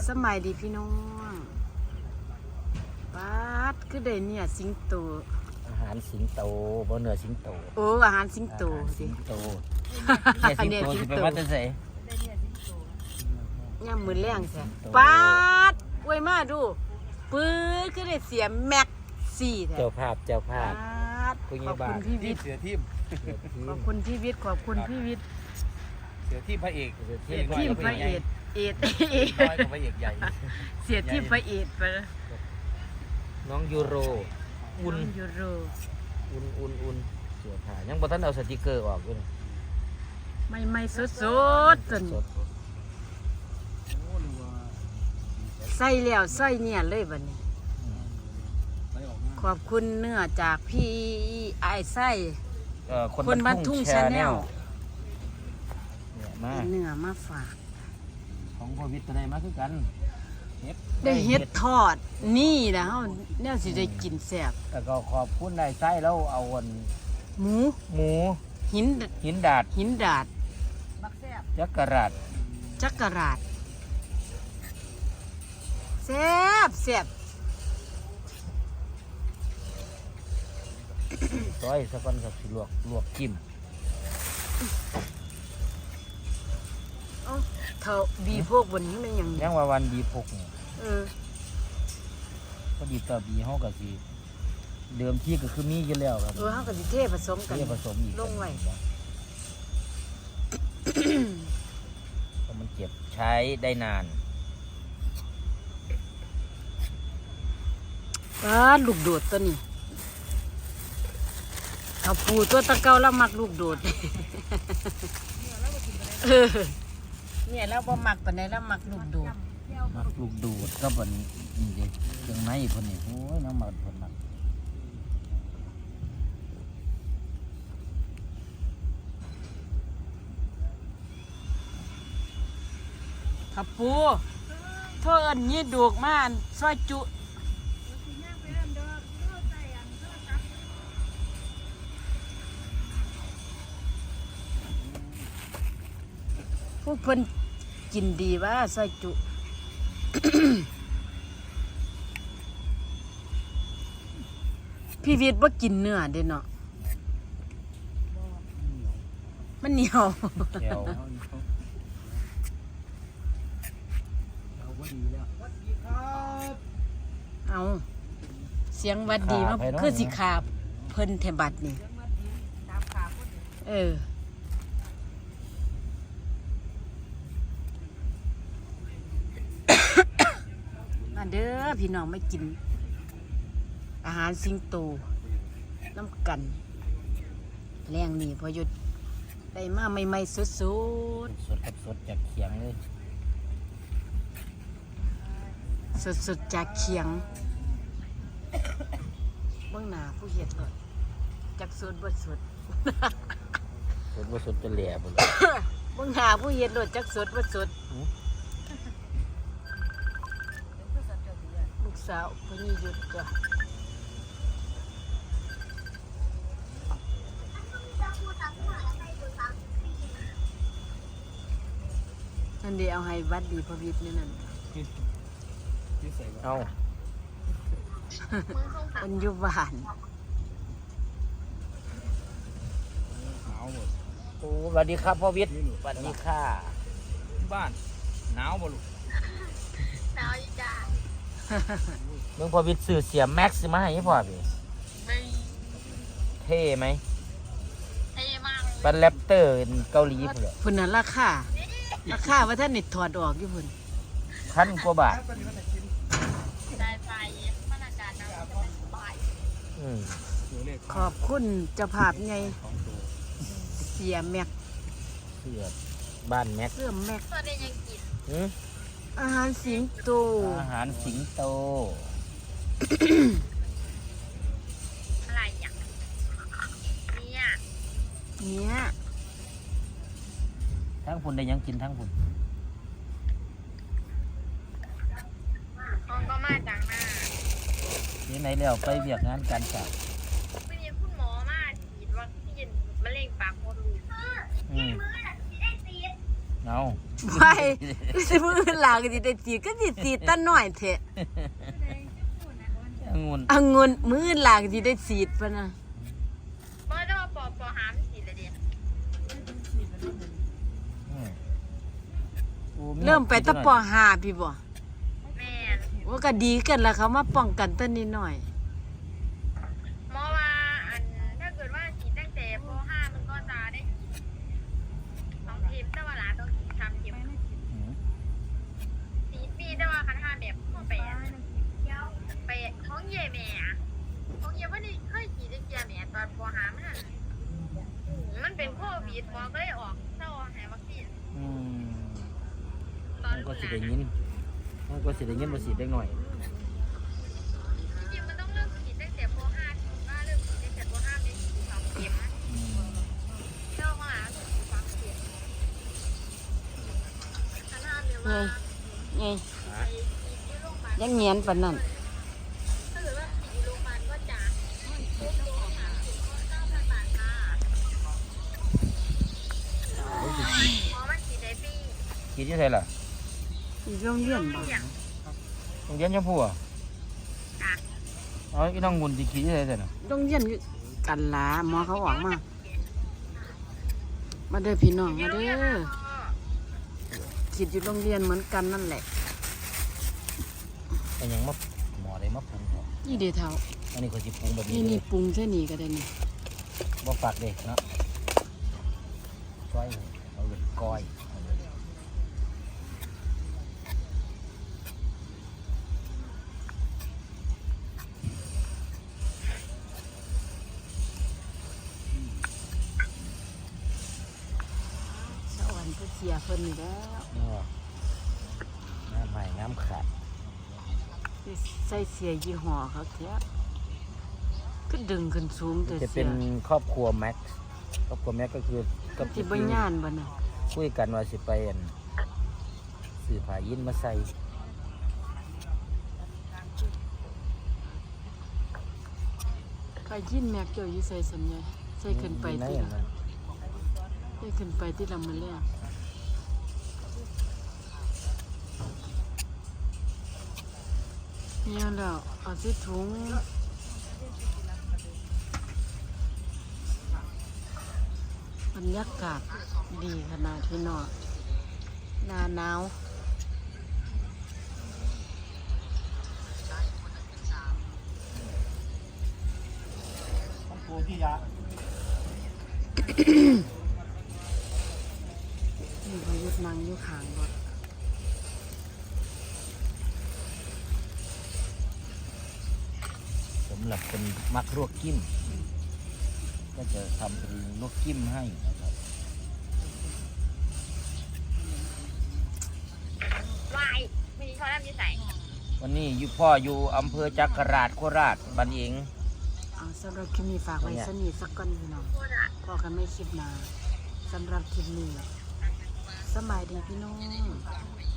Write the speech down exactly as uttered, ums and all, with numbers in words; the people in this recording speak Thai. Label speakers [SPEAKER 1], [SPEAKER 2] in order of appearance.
[SPEAKER 1] สมัยดีพี่น้องป๊าดคือได้เนี่ยสิงโต
[SPEAKER 2] อาหารสิงโตบ่เนื้อสิงโต
[SPEAKER 1] โอ้อาหารสิงโตสิ
[SPEAKER 2] สิงโตเนี่ยสิงโตสิไปว่าจะใส่
[SPEAKER 1] ย่ำมือแรงแท้ป๊าดอวยมาดูปื้อคือได้เสียแม็กซี่แท้
[SPEAKER 2] เจ้าภาพเจ้าภาพ
[SPEAKER 1] ขอบคุณพี่วิทย์
[SPEAKER 3] เสือทีม
[SPEAKER 1] ขอบคุณพี่วิทย์ขอบคุณพี่วิทย์
[SPEAKER 3] เสือทีมพระเอก
[SPEAKER 1] ทีมพระเอกเอ็ดเอ็ด
[SPEAKER 3] น้อยกว่าพระเอกใหญ่
[SPEAKER 1] เสียทีมพระเอกไปแล้ว
[SPEAKER 2] น้องยูโรอุ่น
[SPEAKER 1] น้องยูโร
[SPEAKER 2] อุ่นอุ่นอุ่นเสื้อผ้ายังบ่ทันเอาสติกเกอร์ออกอยู่
[SPEAKER 1] ไม่ไม่สดสดจน
[SPEAKER 2] สด
[SPEAKER 1] ใส่แล้วใส่เนี่ยเลยบัดนี้ ขอบคุณเนื้อจากพี่ไอ้ไส้
[SPEAKER 2] เอ่อ
[SPEAKER 1] คนบ้านทุ่ง Channel
[SPEAKER 2] เนี่ยมา
[SPEAKER 1] เนื้อมาฝาก
[SPEAKER 2] ของพ่อวิทย์ก็ได้มาคือกันเฮ็ด
[SPEAKER 1] ได้เฮ็ดทอดนี่นะเฮาแนวสิได้กินแซ่บ
[SPEAKER 2] แล้วก็ขอบคุณนายไส้แล้วเอาอัน
[SPEAKER 1] หมู
[SPEAKER 2] หมู
[SPEAKER 1] หิน
[SPEAKER 2] หินดาด
[SPEAKER 1] หินดาด
[SPEAKER 2] จักรราด
[SPEAKER 1] จักรราดแซ่บแซ่บ
[SPEAKER 2] ซอยสักวันกับสิลวกลวกจิ้ม
[SPEAKER 1] เอ้าเท่าบีพวกบนนี้มันยัง
[SPEAKER 2] ยังว่าวันดีพกเนี่ย
[SPEAKER 1] เออ
[SPEAKER 2] พอดีต่อบีเฮาก็สิเดิมที่ก็คือมีอยู่แล้วครับ
[SPEAKER 1] เออเฮาก็สิเทผสมกัน
[SPEAKER 2] เรียกผสมอีก
[SPEAKER 1] ลงไว้
[SPEAKER 2] เพราะมันเก็บใช้ได้นาน
[SPEAKER 1] ป้าดลูกโดดตัวนี้เอาปูตัวตะเกาแล้วมักลูกโดด เออเนี่ยแล้วบ่มักปานใดแล้วมักลูกโดด
[SPEAKER 2] มักลูกดูดก็บนนี่เด็กเครื่องในเพิ่นนี่โอ้ยน้ำมันเพิ่นมัก
[SPEAKER 1] ขับปูเท่าเอิ้นยี่ดูกมาซอยจุพวกเพิ่นกินดีว่าซอยจุ พี่วิทย์บ่กินเนื้อเด้เนาะมันเหนียว
[SPEAKER 2] แก้ว
[SPEAKER 1] เอาเสียงหวัดดีมาคือสิขาเพิ่นแถบัดนี่เออ มาเด้อพี่น้องไม่กิน อาหารสิงโตน้ำกัน แรงนี่พอหยุดได้มาใหม่ๆสด
[SPEAKER 2] สดกับสดจากเขียงเลย
[SPEAKER 1] ๆสดๆจากเคียงเบื้องหน้าผู้เฮ็ดก่อนจากสดบ่สด
[SPEAKER 2] สดว่าสดจะแหล่บ่เลย
[SPEAKER 1] เบื้องหน้าผู้เฮ็ดโลดจากสดบ่สดลูกสาวพนี่หยุดจ้ะนั่นเดียวเอาให้วัดดีพระวิทย์นี่นั่น
[SPEAKER 2] เอา
[SPEAKER 1] มันอยู่บ้าน
[SPEAKER 2] โอ้สวัสดีครับพ่อวิทย์สวัสดีค่ะ
[SPEAKER 3] บ้านหนาวบ่ลูก
[SPEAKER 4] หนาวอยู่จ้า
[SPEAKER 2] เมืองพ่อวิทย์ซื้อเสียแม็กซ์มาให้พ่อพี่
[SPEAKER 4] ไม่
[SPEAKER 2] เท่ไหม
[SPEAKER 4] เท่มากเลย
[SPEAKER 2] เป็นแรปเตอร์เกาหลีพุ่นเลย
[SPEAKER 1] พุ่นน่ะราคาราคาว่าท่านนี่ถอดออกอยู่พุ่น
[SPEAKER 2] พันกว่าบาท
[SPEAKER 4] สายไฟบรรยากาศหนาวจะเป็นสบาย
[SPEAKER 2] อืม
[SPEAKER 1] ขอบคุณเจ้าภาพไงเสียแม็ก
[SPEAKER 2] เสื้อบ้านแม็ก
[SPEAKER 1] เสื้อแม็ก
[SPEAKER 4] ส่วนนี้ยังกิน
[SPEAKER 2] หือ
[SPEAKER 1] อาหารสิงโต
[SPEAKER 2] อาหารสิงโต
[SPEAKER 4] อะไรอย่างเนี่ย
[SPEAKER 1] เนี่ย
[SPEAKER 2] ทั้งพุ่นได้หยังกินทั้งพุ่น
[SPEAKER 4] ห้องก็มาจากหน้า
[SPEAKER 2] นี่ไหนแล้วไปเวียกงานการสาว
[SPEAKER 4] ไม่มีคุณหมอมาฉีดวัคซีนมะเร็งปากมดลูก
[SPEAKER 2] อืมเอา
[SPEAKER 1] ไปสิมืออื่นหลาก็สิได้สีดก็สิสีดตาน้อยเถอะ
[SPEAKER 2] องุ่น
[SPEAKER 1] องุ่นมืออื่นหลาก็สิได้สีดปะนะ
[SPEAKER 4] เมื่อจะมาปอปอหามสีเลยดิ
[SPEAKER 2] อืมโอ้
[SPEAKER 1] เริ่มไปแตะปอห้าพี่บ่
[SPEAKER 4] แม่น
[SPEAKER 1] ว่าก็ดีกันแล้วเขามาป้องกันต้นนิดหน่อย
[SPEAKER 4] หมอว่าอันถ้าเกิดว่าฉีดตั้งแต่ปห้ามันก็จะได้ฉีดสองเข็มแต่ว่าหลานต้องฉีดสามเข็ม
[SPEAKER 2] อืม
[SPEAKER 4] สีปีแต่ว่าคันห้าแบบเข้าไปอะไปท้องเย่แม่อะท้องเย่ว่านี่เคยฉีดได้เกียร์แม่ตอนปห้ามันนั่นมันเป็นโควิดหมอก็เลยออกเศร้าให้วัคซีน
[SPEAKER 2] อืม
[SPEAKER 4] ตอน
[SPEAKER 2] มันก็
[SPEAKER 4] รุ่น
[SPEAKER 2] สิ
[SPEAKER 4] หลา
[SPEAKER 2] ได้
[SPEAKER 4] น
[SPEAKER 2] ยินมันก็สิได้ยินบ่สิได้หน่อย
[SPEAKER 4] จริงๆมันต้องเริ่มฉีดตั้งแต่ปห้าถึงว่าเริ่มฉีดตั้งแต่ปห้าได้ฉีดสองเข็ม
[SPEAKER 2] อืม
[SPEAKER 4] เจ้ามาฉีดสามเข็มคันห้าเนี่ยว่า
[SPEAKER 1] ไง
[SPEAKER 4] ไปฉีดที่โรงพยาบาล
[SPEAKER 1] ยังเงียนปานนั้น
[SPEAKER 4] ถ้าเกิดว่าฉีดอยู่โรงพยาบาลก็จะทุกโรงพยาบาลก็เก้าพันบาทค่ะหมอมันฉีดได้ฟรี
[SPEAKER 2] คิดที่ไสล่ะ
[SPEAKER 1] อีโรงเรียนบ่
[SPEAKER 4] อย่าง
[SPEAKER 2] โรงเรียนชมพู่อ่ะ
[SPEAKER 4] อ่ะ
[SPEAKER 2] อ๋ออีน้องงุ่นสิคิดที่ไสซั่นน่ะ
[SPEAKER 1] โรงเรียนอยู่กันหลาหมอเขาออกมา มาเด้อพี่น้องมาเด้อคิดอยู่โรงเรียนเหมือนกันนั่นแหละ
[SPEAKER 2] แต่ยังมาหมอได้มาปรุงเหรอ
[SPEAKER 1] นี่เด้อเท่า
[SPEAKER 2] อันนี้ก็สิปรุงแบบนี้
[SPEAKER 1] นี่
[SPEAKER 2] เล
[SPEAKER 1] นี่
[SPEAKER 2] ย
[SPEAKER 1] ปรุงใส่นี่ก็ได้นี่
[SPEAKER 2] บ่ฝากเด็กเนาะก้อยเอาเป็นก้อยเอาเลย
[SPEAKER 1] สะอ่อนก็เสียเพิ่นนี่แล้ว
[SPEAKER 2] นี่ว่าน้ำใหม่น้ำขาด
[SPEAKER 1] สิใส่เสียยี่ห้อเขาแท้ก็ดึงขึ้นสูงแต่
[SPEAKER 2] จะ
[SPEAKER 1] เสี
[SPEAKER 2] เป็
[SPEAKER 1] ย
[SPEAKER 2] นครอบครัวแม็กซ์ครอบครัวแม็กซ์ก็คือกับ
[SPEAKER 1] สิบ่ย่านบ่น่ะ
[SPEAKER 2] คุยกันว่าสิไปอั่นสื่อผายินมาใส่
[SPEAKER 1] ก็ยินแม็กเจ้าอยู่ใส่สัญญาใส่ขึ้นไป
[SPEAKER 2] ใน
[SPEAKER 1] ที่
[SPEAKER 2] อัน
[SPEAKER 1] ละ
[SPEAKER 2] นั้น
[SPEAKER 1] ใส่ขึ้นไปที่ลำมือแรกเนี่ยแล้วเอาใส่ถุงบรรยากาศดีขนาดที่นอนหน้าหนาว
[SPEAKER 3] ปูพี่ยา
[SPEAKER 1] นี่พยุดนั่งอยู่ข้างรถ
[SPEAKER 2] สำหรับคนมักลวกกิ้ม ก็จะทำเป็นลวกกิ้มให้นะครับ
[SPEAKER 4] วายไม่มีช้อนน้ำยี่ใส่
[SPEAKER 2] วันนี้อยู่พ่ออยู่อำเภอจักราชโคราชบันเอง
[SPEAKER 1] เอาสำหรับคลิปนี้ฝากไว้สนิทสักก่อนพี่น้อง
[SPEAKER 4] โคตรอ่ะ
[SPEAKER 1] พอกันไม่คลิปหนาสำหรับคลิปนี้สำบายดีพี่น้อง